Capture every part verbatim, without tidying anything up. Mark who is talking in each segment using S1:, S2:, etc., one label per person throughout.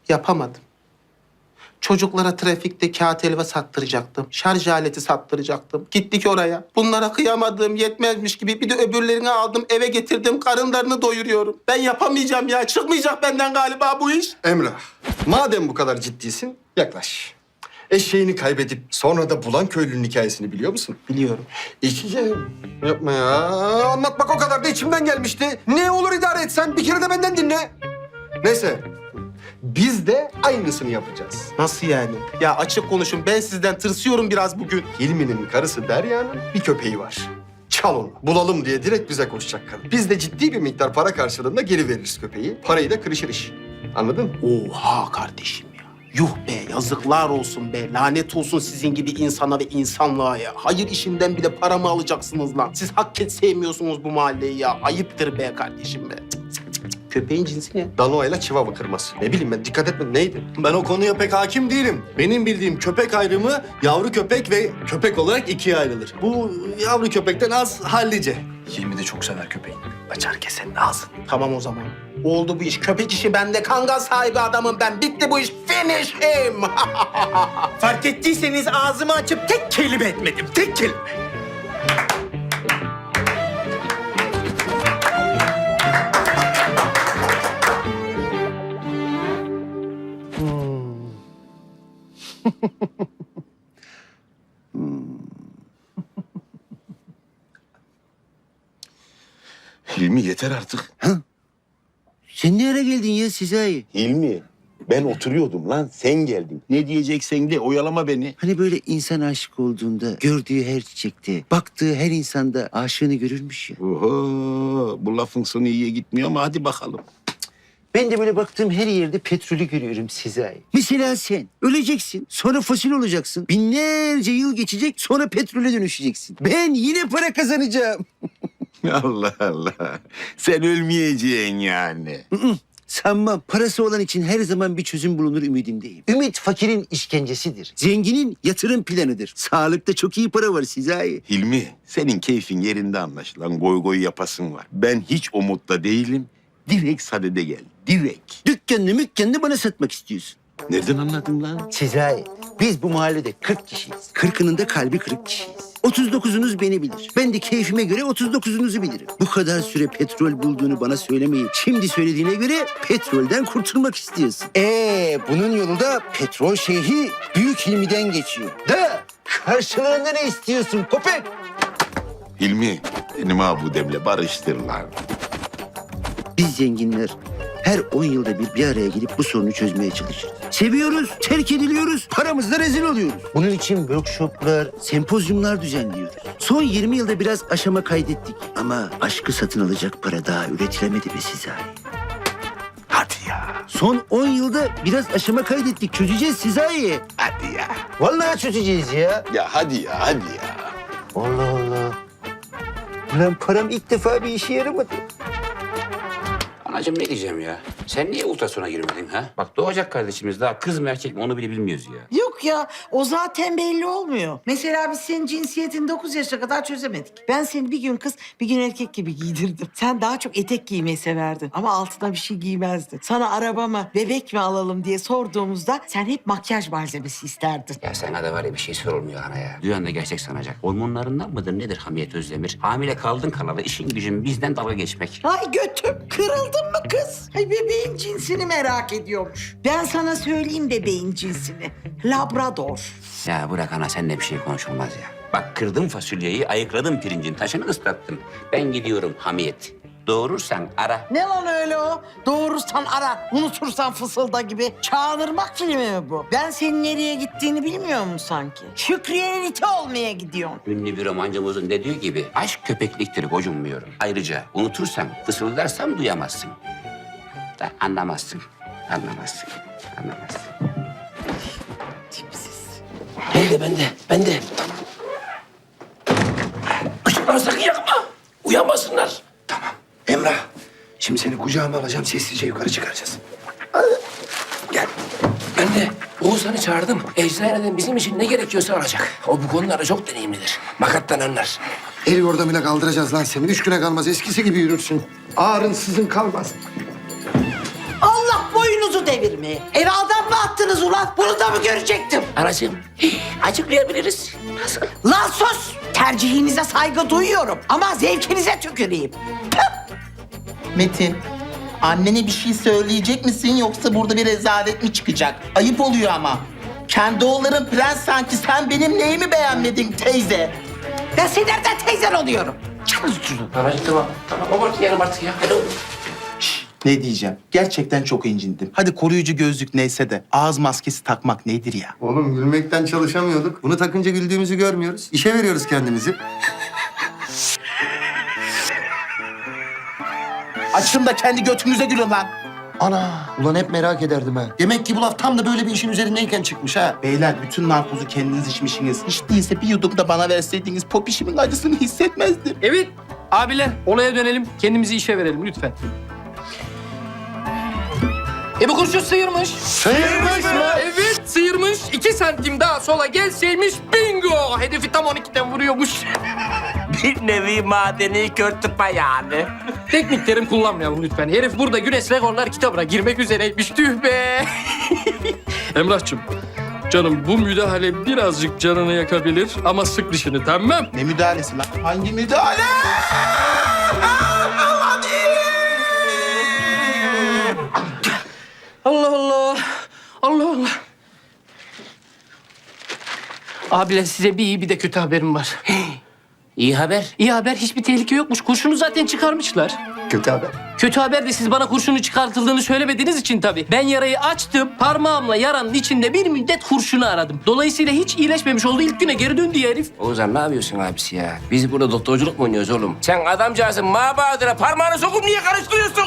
S1: Yapamadım. Çocuklara trafikte kağıt helva sattıracaktım. Şarj aleti sattıracaktım. Gittik oraya. Bunlara kıyamadığım yetmezmiş gibi bir de öbürlerini aldım eve getirdim. Karınlarını doyuruyorum. Ben yapamayacağım ya. Çıkmayacak benden galiba bu iş.
S2: Emrah, madem bu kadar ciddisin, yaklaş. Eşeğini kaybedip sonra da bulan köylünün hikayesini biliyor musun?
S1: Biliyorum.
S2: İki yapma ya. Anlatmak o kadar da içimden gelmişti. Ne olur idare etsen bir kere de benden dinle. Neyse. Biz de aynısını yapacağız.
S1: Nasıl yani? Ya açık konuşun. Ben sizden tırsıyorum biraz bugün.
S2: Hilmi'nin karısı Derya'nın bir köpeği var. Çal onu. Bulalım diye direkt bize koşacak kadın. Biz de ciddi bir miktar para karşılığında geri veririz köpeği. Parayı da kırışır iş. Anladın?
S1: Oha kardeşim ya. Yuh be, yazıklar olsun be. Lanet olsun sizin gibi insana ve insanlığa ya. Hayır işinden bile para mı alacaksınız lan? Siz hakikaten sevmiyorsunuz bu mahalleyi ya. Ayıptır be kardeşim be. Cık, cık, cık, cık. Köpeğin cinsi ne?
S2: Danoa'yla Chihuahua kırması. Ne bileyim ben, dikkat etmedim. Neydi?
S3: Ben o konuya pek hakim değilim. Benim bildiğim köpek ayrımı yavru köpek ve köpek olarak ikiye ayrılır. Bu yavru köpekten az hallice.
S4: Hilmi de çok sever köpeğini. Açar kesenin ağzını.
S1: Tamam o zaman. Oldu bu iş. Köpek işi bende. Kangal sahibi adamım ben. Bitti bu iş. Finish him.
S5: Fark ettiyseniz ağzımı açıp tek kelime etmedim. Tek kelime.
S6: Hilmi yeter artık.
S7: Sen ne ara geldin ya Sezai?
S6: Hilmi, ben oturuyordum lan, sen geldin. Ne diyeceksen de, oyalama beni.
S7: Hani böyle insan aşık olduğunda gördüğü her çiçekte, baktığı her insanda aşığını görürmüş ya.
S6: Oho, bu lafın sonu iyiye gitmiyor ama hadi bakalım.
S7: Ben de böyle baktığım her yerde petrolü görüyorum Sezai. Mesela sen öleceksin, sonra fosil olacaksın. Binlerce yıl geçecek, sonra petrole dönüşeceksin. Ben yine para kazanacağım.
S6: Allah Allah, sen ölmeyeceksin yani.
S7: Sanmam. Parası olan için her zaman bir çözüm bulunur ümidindeyim. Ümit fakirin işkencesidir. Zenginin yatırım planıdır. Sağlıkta çok iyi para var Sezai.
S6: Hilmi, senin keyfin yerinde anlaşılan, goy goy yapasın var. Ben hiç o modda değilim, direkt sadede gel, direkt.
S7: Dükkanını mükkanını bana satmak istiyorsun.
S6: Nereden anladın lan?
S7: Sezai, biz bu mahallede kırk kişiyiz. Kırkının da kalbi kırık kişiyiz. Otuz dokuzunuz beni bilir. Ben de keyfime göre otuz dokuzunuzu bilirim. Bu kadar süre petrol bulduğunu bana söylemeyi şimdi söylediğine göre petrolden kurtulmak istiyorsun. Ee, bunun yolu da petrol şeyhi Büyük Hilmi'den geçiyor. Da karşılığında ne istiyorsun köpek?
S6: Hilmi, benim abudemle barıştır lan.
S7: Biz zenginler her on yılda bir bir araya gelip bu sorunu çözmeye çalışırız. Seviyoruz, terk ediliyoruz, paramızla rezil oluyoruz. Bunun için workshoplar, sempozyumlar düzenliyoruz. Son yirmi yılda biraz aşama kaydettik. Ama aşkı satın alacak para daha üretilemedi be Sezai.
S6: Hadi ya,
S7: Son on yılda biraz aşama kaydettik. Çözeceğiz Sezai.
S6: hadi ya.
S7: Vallahi çözeceğiz ya.
S6: Ya hadi ya, hadi ya.
S7: Allah Allah. Ulan param ilk defa bir işe yaramadı.
S8: Anacığım ne diyeceğim ya? Sen niye ultrasona girmedin ha? Bak doğacak kardeşimiz daha kız mı erkek mi onu bile bilmiyoruz ya.
S9: Yok ya, o zaten belli olmuyor. Mesela biz senin cinsiyetini dokuz yaşa kadar çözemedik. Ben seni bir gün kız, bir gün erkek gibi giydirdim. Sen daha çok etek giymeyi severdin ama altına bir şey giymezdin. Sana araba mı, bebek mi alalım diye sorduğumuzda sen hep makyaj malzemesi isterdin.
S8: Ya sana da var ya bir şey sorulmuyor ana ya. Duyan da gerçek sanacak. Hormonlarından mıdır nedir Hamiyet Özdemir? Hamile kaldın kalalı işin gücün bizden dalga geçmek.
S9: Ay götüm, kırıldın mı kız? Ay bebeğin cinsini merak ediyormuş. Ben sana söyleyeyim bebeğin cinsini. Labrador.
S8: Ya bırak ana seninle bir şey konuşulmaz ya. Bak kırdım fasulyeyi, ayıkladım pirincin taşını ıslattım. Ben gidiyorum Hamiyet. Doğurursan ara.
S9: Ne lan öyle o? Doğurursan ara, unutursan fısılda gibi. Çağınırmak filmi mi bu? Ben senin nereye gittiğini bilmiyor musun sanki? Şükriye'nin iti olmaya gidiyorsun.
S8: Ünlü bir romancımızın dediği gibi aşk köpekliktir gocunmuyorum. Ayrıca unutursan fısıldarsam duyamazsın. Da anlamazsın. Anlamazsın. Anlamazsın.
S9: Tipsiz.
S4: Bende bende bende. Tamam. Işıkları sakın yakma. Uyanmasınlar. Tamam. Emrah. Şimdi seni kucağıma alacağım. Sessizce yukarı çıkaracağız. Gel. Ben de Oğuzhan'ı çağırdım. Eczaneden bizim için ne gerekiyorsa alacak. O bu konularda çok deneyimlidir. Makattan anlar.
S2: El yordamıyla kaldıracağız lan seni. Üç güne kalmaz. Eskisi gibi yürürsün. Ağrın sızın kalmaz.
S9: Allah boynuzu devir. devirmeye. Eve adam mı attınız ulan? Bunu da mı görecektim?
S8: Anacığım, açıklayabiliriz. Nasıl?
S9: Lan sus! Tercihinize saygı duyuyorum ama zevkinize tüküreyim.
S1: Metin, annene bir şey söyleyecek misin yoksa burada bir rezalet mi çıkacak? Ayıp oluyor ama. Kendi oğulların prens sanki, sen benim neyimi beğenmedin teyze?
S9: Ben senin nereden teyzen oluyorum? Çıkın şunu.
S8: Anacığım tamam. Tamam abartmayalım artık ya. Hadi oğlum.
S1: Ne diyeceğim? Gerçekten çok incindim. Hadi koruyucu gözlük neyse de ağız maskesi takmak nedir ya?
S2: Oğlum gülmekten çalışamıyorduk. Bunu takınca güldüğümüzü görmüyoruz. İşe veriyoruz kendimizi.
S1: Açın da kendi götünüze gülün lan.
S2: Ana! Ulan hep merak ederdim ha. Demek ki bu laf tam da böyle bir işin üzerindeyken çıkmış ha.
S1: Beyler bütün narkozu kendiniz içmişsiniz. Hiç değilse bir yudum da bana verseydiniz popişimin acısını hissetmezdim.
S4: Evet abiler olaya dönelim. Kendimizi işe verelim lütfen. E bu kurşun sıyırmış.
S2: Sıyırmış mı?
S4: Evet sıyırmış. İki santim daha sola gelseymiş bingo. Hedefi tam on ikiden vuruyormuş.
S8: Bir nevi madeni kör tıpa yani.
S4: Teknik terim kullanmayalım lütfen. Herif burada Güneş Rekorlar kitabına girmek üzereymiş. Tüh be. Emrah'cığım. Canım bu müdahale birazcık canını yakabilir ama sık dişini tamam.
S1: Ne müdahalesi lan? Hangi müdahale?
S4: Allah Allah. Allah Allah. Abiler size bir iyi bir de kötü haberim var.
S8: İyi haber.
S4: İyi haber hiçbir tehlike yokmuş. Kurşunu zaten çıkarmışlar.
S2: Kötü haber.
S4: Kötü haber de siz bana kurşunu çıkartıldığını söylemediğiniz için tabii. Ben yarayı açtım. Parmağımla yaranın içinde bir müddet kurşunu aradım. Dolayısıyla hiç iyileşmemiş oldu. İlk güne geri döndü ya herif.
S8: Oğuzhan ne yapıyorsun abisi ya? Biz burada doktorculuk mu oynuyoruz oğlum? Sen adamcağızın mabadına parmağını sokup niye karıştırıyorsun?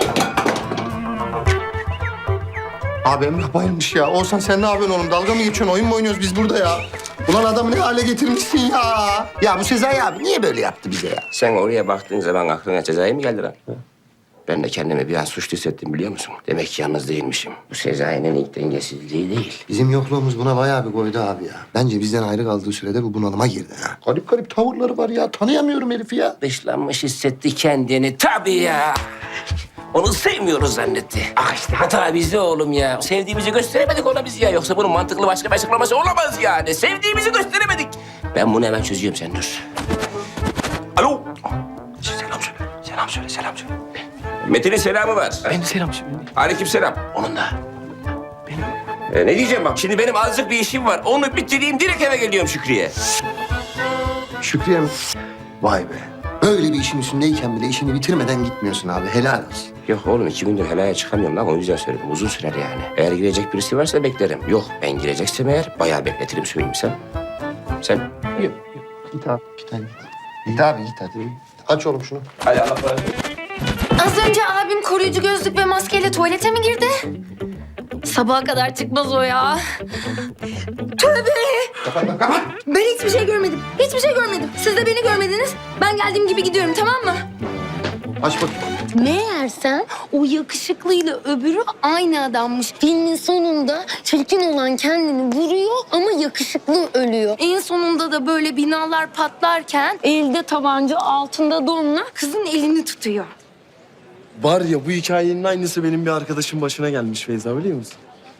S2: Abi Emrah bayılmış ya. Olsan sen ne yapıyorsun oğlum? Dalga mı geçiyorsun? Oyun mu oynuyoruz biz burada ya? Ulan adamı ne hale getirmişsin ya? Ya bu Sezai abi niye böyle yaptı bize ya?
S8: Sen oraya baktığın zaman aklına cezayı mı geldi lan? Ben de kendimi bir an suçlu hissettim biliyor musun? Demek ki yalnız değilmişim. Bu Sezai'nin ilk dengesizliği değil.
S2: Bizim yokluğumuz buna bayağı bir koydu abi ya. Bence bizden ayrı kaldığı sürede bu bunalıma girdi ha. Garip garip tavırları var ya. Tanıyamıyorum herifi ya.
S8: Dışlanmış hissetti kendini tabii ya. Onu sevmiyoruz zannetti. Ah işte hata bizde oğlum ya. Sevdiğimizi gösteremedik ona biz ya. Yoksa bunun mantıklı başka bir açıklaması olamaz yani. Sevdiğimizi gösteremedik. Ben bunu hemen çözüyorum sen dur. Alo. Selam söyle. Selam söyle, selam söyle. Metin'in selamı var.
S4: Ben selam söyleyeyim.
S8: Aleyküm selam. Onun da. Benim. Ee, ne diyeceğim bak. Şimdi benim azıcık bir işim var. Onu bitireyim direkt eve geliyorum Şükrü'ye.
S2: Şükriye mi? Vay be. Böyle bir işin üstündeyken bile işini bitirmeden gitmiyorsun abi. Helal olsun.
S8: Yok oğlum iki gündür helaya çıkamıyorum lan o yüzden söyledim. Uzun sürer yani. Eğer girecek birisi varsa beklerim. Yok ben gireceksem eğer bayağı bekletirim söyleyeyim sen. Sen? Yok.
S2: Git abi. Git hadi. Git abi git hadi. Aç oğlum şunu.
S8: Hadi Allah kolaylık.
S10: Az önce abim koruyucu gözlük ve maskeyle tuvalete mi girdi? Sabaha kadar çıkmaz o ya. Tövbe! Ben hiçbir şey görmedim. Hiçbir şey görmedim. Siz de beni görmediniz. Ben geldiğim gibi gidiyorum tamam mı?
S2: Aç bakayım.
S10: Meğersem o yakışıklıyla öbürü aynı adammış. Filmin sonunda çirkin olan kendini vuruyor ama yakışıklı ölüyor. En sonunda da böyle binalar patlarken elde tabanca altında donla kızın elini tutuyor.
S3: Var ya bu hikayenin aynısı benim bir arkadaşım başına gelmiş Feyza biliyor musun?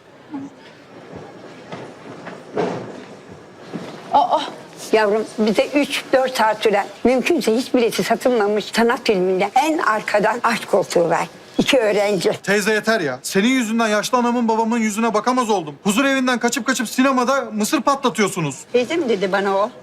S11: Yavrum bize üç dört saat süren, mümkünse hiç bileti satılmamış sanat filminde en arkadan aşk koltuğu ver. İki öğrenci.
S12: Teyze yeter ya. Senin yüzünden yaşlı anamın babamın yüzüne bakamaz oldum. Huzur evinden kaçıp kaçıp sinemada mısır patlatıyorsunuz.
S11: Teyze mi dedi bana o?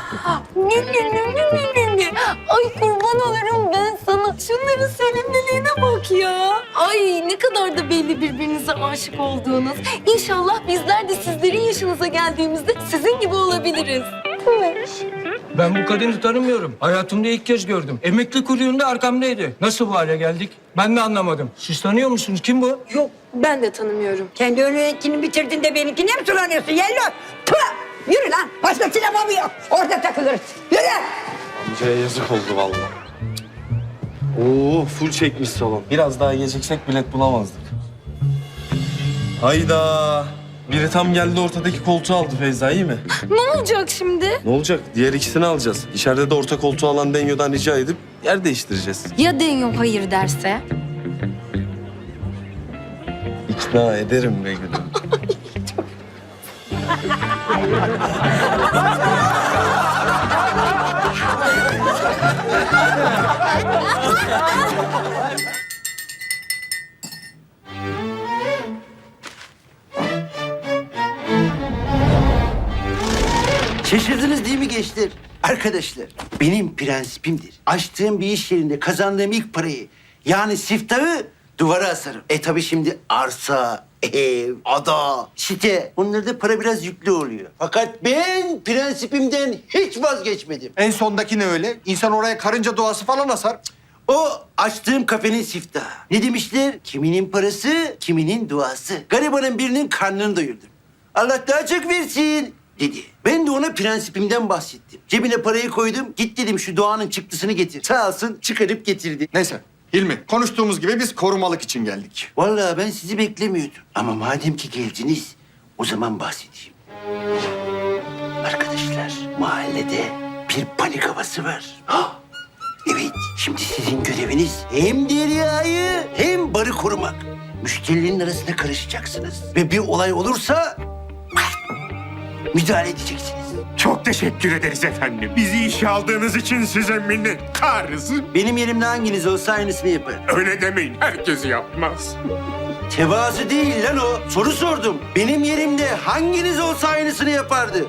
S10: Ay kurban olurum ben sana. Şunların sevimliliğine bak ya. Ay ne kadar da belli birbirinize aşık olduğunuz. İnşallah bizler de sizlerin yaşınıza geldiğimizde sizin gibi olabiliriz.
S4: Ben bu kadını tanımıyorum. Hayatımda ilk kez gördüm. Emekli kuyruğunda arkamdaydı. Nasıl bu hale geldik? Ben de anlamadım. Siz tanıyor musunuz? Kim bu?
S10: Yok ben de tanımıyorum.
S11: Kendi önündekini bitirdin de benimkine mi sulanıyorsun Yello? Tüh! Yürü lan. Başka sinema mı yok? Orada takılırız. Yürü!
S3: Amcaya yazık oldu vallahi. Oo full çekmiş salon. Biraz daha geciksek bilet bulamazdık. Hayda. Biri tam geldi ortadaki koltuğu aldı Feyza iyi mi?
S10: Ne olacak şimdi?
S3: Ne olacak? Diğer ikisini alacağız. İçeride de orta koltuğu alan Denyo'dan rica edip yer değiştireceğiz.
S10: Ya Denyo hayır derse?
S3: İki
S2: İkna ederim be gülüm.
S7: Şaşırdınız değil mi gençler? Arkadaşlar, benim prensibimdir. Açtığım bir iş yerinde kazandığım ilk parayı, yani siftahı duvara asarım. E tabii şimdi arsa, ev, ada, site, onlarda para biraz yüklü oluyor. Fakat ben prensibimden hiç vazgeçmedim.
S2: En sondaki ne öyle? İnsan oraya karınca doğası falan asar. Cık.
S7: O açtığım kafenin siftahı. Ne demişler? Kiminin parası, kiminin duası. Garibanın birinin karnını doyurdum. Allah daha çok versin dedi. Ben de ona prensibimden bahsettim. Cebine parayı koydum. Git dedim şu doğanın çıktısını getir. Sağ olsun çıkarıp getirdi.
S2: Neyse Hilmi, konuştuğumuz gibi biz korumalık için geldik.
S7: Vallahi ben sizi beklemiyordum. Ama madem ki geldiniz, o zaman bahsedeyim. Arkadaşlar, mahallede bir panik havası var. Hah! Evet, şimdi sizin göreviniz hem Derya'yı hem barı korumak. Müşterilerin arasına karışacaksınız. Ve bir olay olursa müdahale edeceksiniz.
S5: Çok teşekkür ederiz efendim. Bizi işe aldığınız için size minnettarız.
S7: Benim yerimde hanginiz olsa aynısını yapar.
S5: Öyle demeyin. Herkes yapmaz.
S7: Tevazu değil lan o. Soru sordum. Benim yerimde hanginiz olsa aynısını yapardı?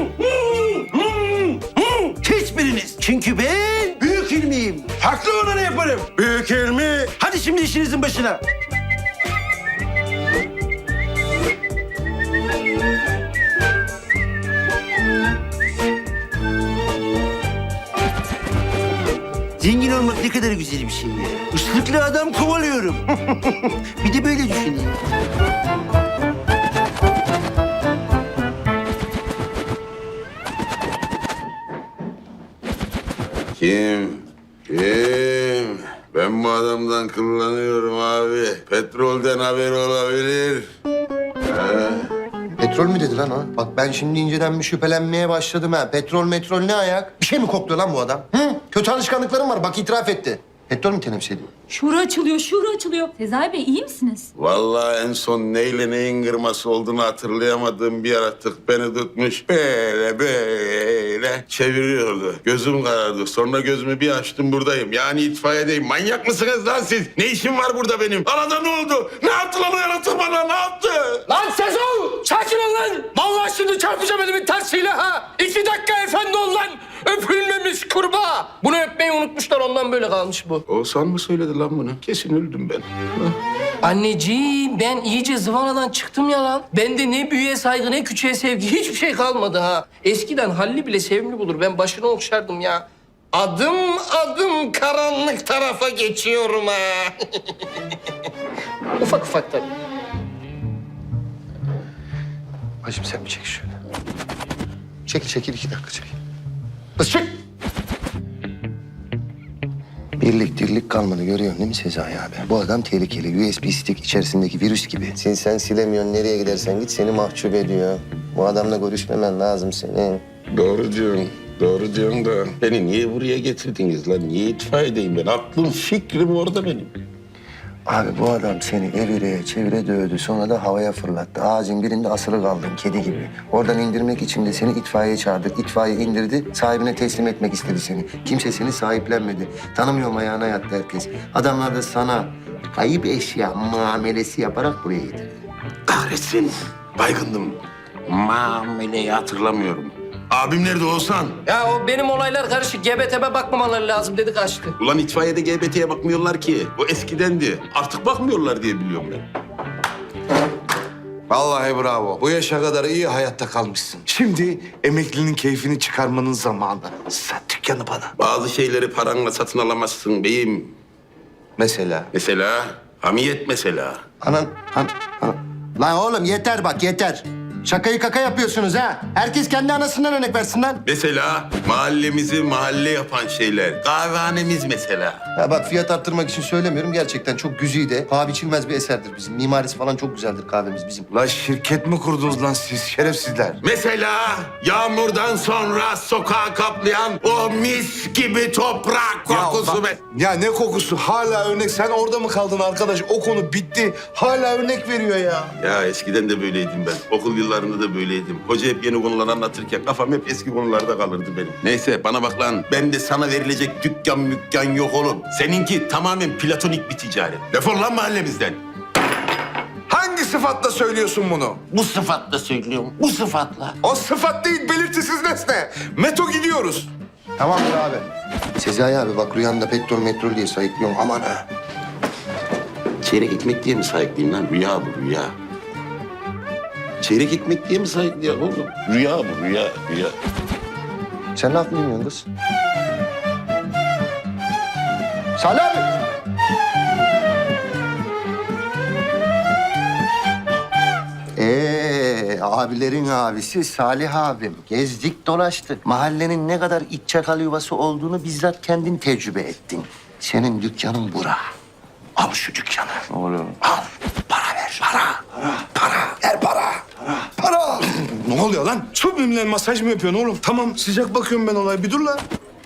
S7: Hiçbiriniz. Çünkü ben büyük ilmiyim. Haklı olanı yaparım. Büyük ilmi. Hadi şimdi işinizin başına. Zengin olmak ne kadar güzel bir şey ya. Islıklı adam kovalıyorum. Bir de böyle düşüneyim.
S6: Kim? Kim? Ben bu adamdan kullanıyorum abi. Petrolden haber olabilir. Ha?
S2: Petrol mü dedi lan o? Bak ben şimdi inceden bir şüphelenmeye başladım ha. Petrol metrol ne ayak? Bir şey mi kokluyor lan bu adam? Hı? Kötü alışkanlıklarım var bak itiraf etti. Petrol mü temsil ediyor?
S13: Şura açılıyor, şura açılıyor. Sezai Bey iyi misiniz?
S6: Vallahi en son neyle neyin kırması olduğunu hatırlayamadığım bir yaratık beni tutmuş. Böyle böyle çeviriyordu. Gözüm karardı. Sonra gözümü bir açtım buradayım. Yani itfaiyedeyim. Manyak mısınız lan siz? Ne işim var burada benim? Arada ne oldu? Ne yaptı lan o yaratık bana? Ne yaptı?
S4: Lan Sezon! Sakin ol lan! Vallahi şimdi çarpacağım elimin tersiyle ha! İki dakika efendi ol lan! Öpülmemiş kurbağa! Bunu öpmeyi unutmuşlar ondan böyle kalmış bu.
S6: Oğuzhan mı söyledi lan bunu? Kesin öldüm ben.
S4: Anneciğim ben iyice zıvanadan çıktım ya lan. Bende ne büyüğe saygı ne küçüğe sevgi hiçbir şey kalmadı ha. Eskiden Halli bile sevimli bulur. Ben başını okşardım ya. Adım adım karanlık tarafa geçiyorum ha. Ufak ufak tabii.
S2: Hacım sen bir çek şöyle. Çekil çekil iki dakika çekil. Kız çek. Birlik dirlik kalmadı görüyorsun değil mi Sezai abi? Bu adam tehlikeli. U S B stick içerisindeki virüs gibi. Sen sen silemiyorsun. Nereye gidersen git seni mahcup ediyor. Bu adamla görüşmemen lazım senin.
S6: Doğru diyorsun. Doğru diyorsun da beni niye buraya getirdiniz lan? Niye itfaiyedeyim ben? Aklım fikrim orada benim.
S2: Abi bu adam seni evire çevire dövdü. Sonra da havaya fırlattı. Ağacın birinde asılı kaldın kedi gibi. Oradan indirmek için de seni itfaiyeye çağırdık. İtfaiye indirdi. Sahibine teslim etmek istedi seni. Kimse seni sahiplenmedi. Tanımıyorum ayağına yattı herkes. Adamlar da sana kayıp eşya muamelesi yaparak buraya getirdi.
S6: Kahretsin. Baygındım. Muameleyi hatırlamıyorum. Abim nerede Oğuzhan?
S4: Ya o benim olaylar karışık. G B T'ye bakmamaları lazım dedi kaçtı.
S6: Ulan itfaiyede G B T'ye bakmıyorlar ki. O eskidendi. Artık bakmıyorlar diye biliyorum ben.
S14: Vallahi bravo. Bu yaşa kadar iyi hayatta kalmışsın. Şimdi emeklinin keyfini çıkarmanın zamanı. Sat dükkanı bana.
S6: Bazı şeyleri paranla satın alamazsın beyim.
S14: Mesela?
S6: Mesela hamiyet mesela.
S2: Anan, an, an. Lan oğlum yeter bak yeter. Şakayı kaka yapıyorsunuz ha. Herkes kendi anasından örnek versin lan.
S6: Mesela mahallemizi mahalle yapan şeyler. Kahvehanemiz mesela.
S2: Ya bak fiyat arttırmak için söylemiyorum. Gerçekten çok güzide, paha biçilmez bir eserdir bizim. Mimarisi falan çok güzeldir kahvemiz bizim.
S14: La şirket mi kurdunuz lan siz şerefsizler?
S6: Mesela yağmurdan sonra sokağı kaplayan o mis gibi toprak kokusu.
S14: Ya,
S6: be.
S14: bak- ya ne kokusu? Hala örnek. Sen orada mı kaldın arkadaş? O konu bitti. Hala örnek veriyor ya.
S6: Ya eskiden de böyleydim ben. Okul yıllarında da böyleydim. Hoca hep yeni konular anlatırken kafam hep eski konularda kalırdı benim. Neyse bana bak lan. Ben de sana verilecek dükkan mükkan yok oğlum. Seninki tamamen platonik bir ticaret. Defol lan mahallemizden.
S14: Hangi sıfatla söylüyorsun bunu?
S1: Bu sıfatla söylüyorum. Bu sıfatla.
S14: O sıfat değil, belirtisiz nesne. Meto gidiyoruz.
S2: Tamamdır abi. Sezai abi bak rüyanda petrol metrol diye sayıklıyorum. Aman ha.
S6: Çeyrek ekmek diye mi sahipliyim lan? Rüya bu rüya. Çeyrek ekmek diye mi sahipliyim oğlum? Rüya bu rüya rüya.
S2: Sen ne laf mı dinliyorsun kız? Salih abi. Ee, abilerin abisi Salih abim. Gezdik dolaştık. Mahallenin ne kadar iç çakal yuvası olduğunu bizzat kendin tecrübe ettin. Senin dükkanın bura. Al şu dükkanı.
S14: Oğlum.
S2: Al. Para ver. Para. Para. Para. Ver para.
S14: Para! Ne oluyor lan? Subliminal masaj mı yapıyorsun oğlum? Tamam, sıcak bakıyorum ben olaya. Bir dur lan.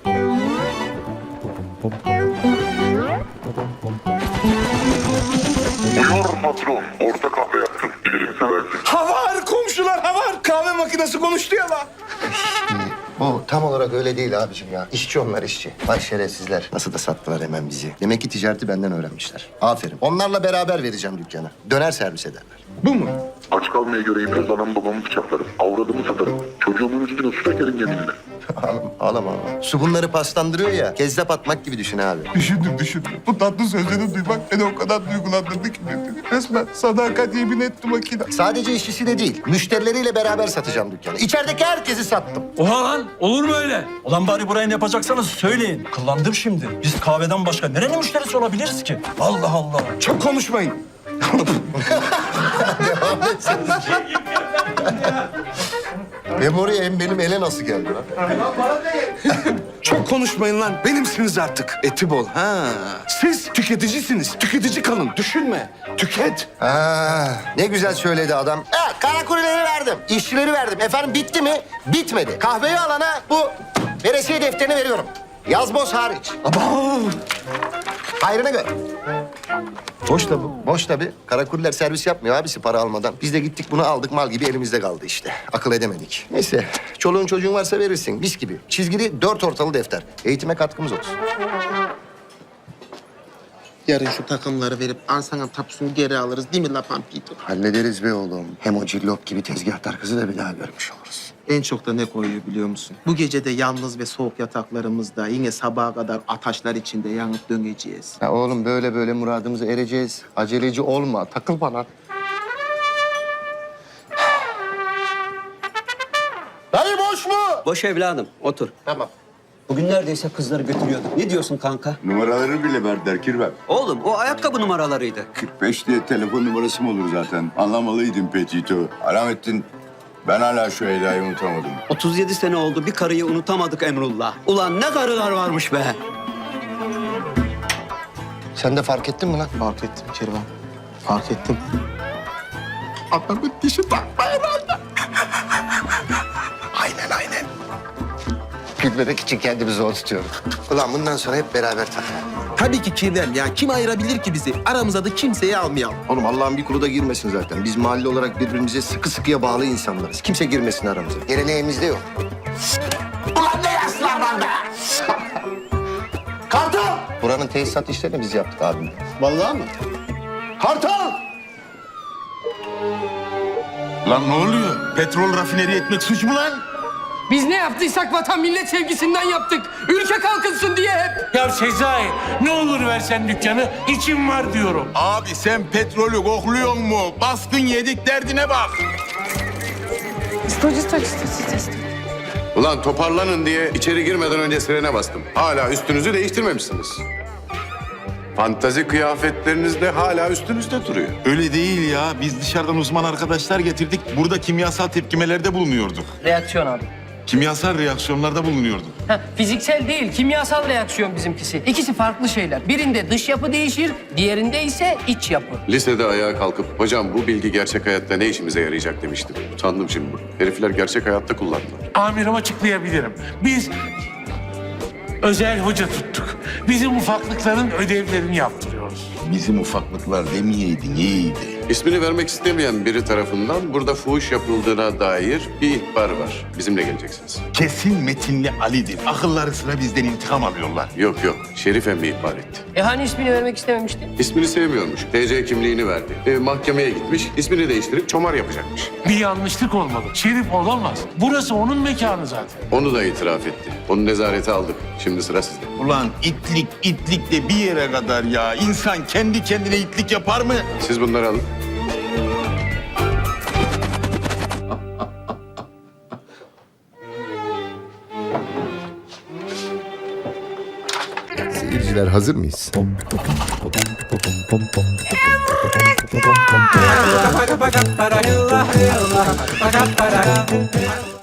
S15: Buyur patron. Orta kahve yaptım. Bilirim seversin.
S14: Ha var komşular, ha var. Kahve makinesi konuştu ya lan.
S2: Bu tam olarak öyle değil abicim ya. İşçi onlar işçi. Vay şerefsizler. Nasıl da sattılar hemen bizi. Demek ki ticareti benden öğrenmişler. Aferin. Onlarla beraber vereceğim dükkanı. Döner servis ederler.
S14: Bu mu?
S15: Aç kalmaya göreyim biraz anam babamı bıçaklarım. Avradımı satarım. Çocuğumun üstüne su dökerim yeminle.
S2: Ağlama, ağlama, ağlama. Su bunları paslandırıyor ya. Kezzap atmak gibi düşün abi.
S14: Düşündüm, düşündüm. Bu tatlı sözleri duymak beni o kadar duygulandırdı ki. Resmen sadakat yemin etti makine.
S2: Sadece işçisi de değil. Müşterileriyle beraber satacağım dükkanı. İçerideki herkesi sattım.
S5: Oha lan olur mu öyle? Ulan bari burayı ne yapacaksanız söyleyin. Kıllandım şimdi. Biz kahveden başka nerenin müşterisi olabiliriz ki? Allah Allah.
S14: Çok konuşmayın.
S2: Hem oraya hem benim ele nasıl geldi lan?
S14: Çok konuşmayın lan. Benimsiniz artık. Eti bol. Ha. Siz tüketicisiniz. Tüketici kalın. Düşünme. Tüket.
S2: Ha, ne güzel söyledi adam. Evet, karakulileri verdim. İşçileri verdim. Efendim bitti mi? Bitmedi. Kahveyi alana bu veresiye defterini veriyorum. Yazboz hariç.
S14: Aba.
S2: Hayrına göre. Boş da bu. Boş tabii. Karakuliler servis yapmıyor abisi para almadan. Biz de gittik bunu aldık mal gibi elimizde kaldı işte. Akıl edemedik. Neyse çoluğun çocuğun varsa verirsin mis gibi. Çizgili dört ortalı defter. Eğitime katkımız olsun.
S1: Yarın şu takımları verip arsanın tapusunu geri alırız değil mi La Pampito?
S2: Hallederiz be oğlum. Hem o cillop gibi tezgahtar kızı da bir daha görmüş oluruz.
S1: En çok da ne koyuyor biliyor musun? Bu gece de yalnız ve soğuk yataklarımızda yine sabaha kadar ataşlar içinde yanıp döneceğiz.
S2: Ya oğlum böyle böyle muradımıza ereceğiz. Aceleci olma. Takıl bana. Dayı boş mu?
S5: Boş evladım otur.
S2: Tamam.
S5: Bugün neredeyse kızları götürüyorduk. Ne diyorsun kanka?
S15: Numaraları bile verdiler Kirvem.
S5: Oğlum o ayakkabı numaralarıydı.
S15: kırk beş diye telefon numarası mı olur zaten? Anlamalıydın Petito. Alamettin, ben hala şu Eda'yı unutamadım.
S5: otuz yedi sene oldu bir karıyı unutamadık Emrullah. Ulan ne karılar varmış be.
S2: Sen de fark ettin mi lan?
S1: Fark ettim Kervan. Fark ettim. Adamın dişi takma herhalde.
S2: Aynen aynen. Gülmemek için kendimi zor tutuyorum. Ulan bundan sonra hep beraber takalım.
S1: Tabii ki Kirvem ya. Kim ayırabilir ki bizi? Aramıza da kimseyi almayalım.
S2: Oğlum Allah'ın bir kulu da girmesin zaten. Biz mahalle olarak birbirimize sıkı sıkıya bağlı insanlarız. Kimse girmesin aramıza. Geleneğimizde yok. Ulan ne yaşlar be! Kartal! Buranın tesisat işlerini biz yaptık abim. Vallahi mı? Kartal!
S6: Lan ne oluyor? Petrol rafineri etmek suç mu lan?
S8: Biz ne yaptıysak vatan millet sevgisinden yaptık. Ülke kalkınsın diye hep.
S5: Ya Sezai ne olur versen dükkanı içim var diyorum.
S6: Abi sen petrolü kokluyor mu? Baskın yedik derdine bak.
S15: Ulan toparlanın diye içeri girmeden önce sirene bastım. Hala üstünüzü değiştirmemişsiniz. Fantazi kıyafetleriniz de hala üstünüzde duruyor.
S6: Öyle değil ya. Biz dışarıdan uzman arkadaşlar getirdik. Burada kimyasal tepkimelerde bulunuyorduk.
S8: Reaksiyon abi.
S6: Kimyasal reaksiyonlarda bulunuyorduk.
S8: Ha, fiziksel değil, kimyasal reaksiyon bizimkisi. İkisi farklı şeyler. Birinde dış yapı değişir, diğerinde ise iç yapı.
S15: Lisede ayağa kalkıp hocam bu bilgi gerçek hayatta ne işimize yarayacak demiştim. Utandım şimdi. Herifler gerçek hayatta kullandılar.
S14: Amirim açıklayabilirim. Biz özel hoca tuttuk. Bizim ufaklıkların ödevlerini yaptırıyoruz.
S6: Bizim ufaklıklar demeyeydin iyiydi.
S15: İsmini vermek istemeyen biri tarafından burada fuhuş yapıldığına dair bir ihbar var. Bizimle geleceksiniz.
S6: Kesin Metinli Ali'dir. Akılları sıra bizden intikam alıyorlar.
S15: Yok yok. Şerif emmi ihbar etti.
S8: E hani ismini vermek istememişti?
S15: İsmini sevmiyormuş. T C kimliğini verdi. E, mahkemeye gitmiş. İsmini değiştirip çomar yapacakmış.
S14: Bir yanlışlık olmalı. Şerif olamaz. Burası onun mekanı zaten.
S15: Onu da itiraf etti. Onu nezarete aldık. Şimdi sıra sizde.
S6: Ulan itlik itlik de bir yere kadar ya. İnsan kendi kendine itlik yapar mı?
S15: Siz bunları alın.
S2: Seyirciler hazır mıyız?